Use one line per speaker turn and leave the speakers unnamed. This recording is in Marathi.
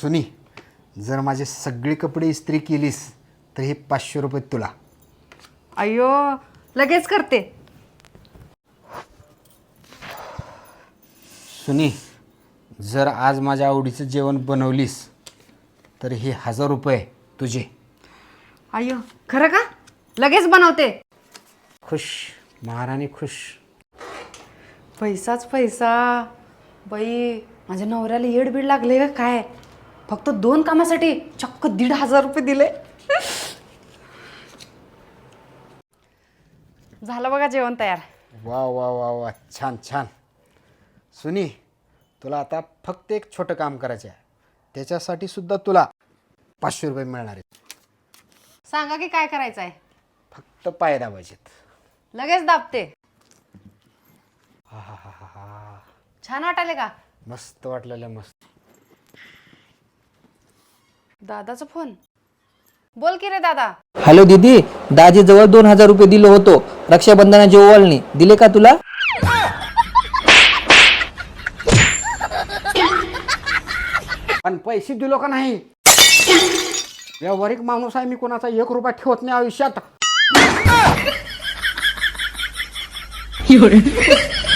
सुनी, जर माझे सगळे कपडे इस्त्री केलीस तर हे 500 रुपये तुला.
अय्यो, लगेच करते.
सुनी, जर आज माझ्या आवडीचं जेवण बनवलीस तर हे 1000 रुपये तुझे.
अय्यो, खरं का? लगेच बनवते.
खुश, महाराणी खुश.
पैसाच पैसा. बाई, माझ्या नवऱ्याला येडबीड लागले का काय? फक्त 2 कामासाठी चक्क 1500 रुपये दिले. झालं बघा जेवण तयार.
वा वा वा वा, छान छान. सुनी, तुला आता फक्त एक छोटं काम करायचं आहे. त्याच्यासाठी सुद्धा तुला 500 रुपये मिळणार आहेत.
सांगा की काय करायचं आहे.
फक्त पाय दाबायचेत.
लगेच दाबते. छान वाटायले का?
मस्त वाटलेलं, मस्त.
दादाचा फोन. बोल की रे दादा.
हॅलो दीदी, दाजीजवळ 2000 रुपये दिलो होतो रक्षाबंधनाची ओवाळणी. दिले का तुला?
पण पैसे दिलो का नाही? व्यावहारिक माणूस आहे मी, कोणाचा 1 रुपया ठेवत नाही आयुष्यात.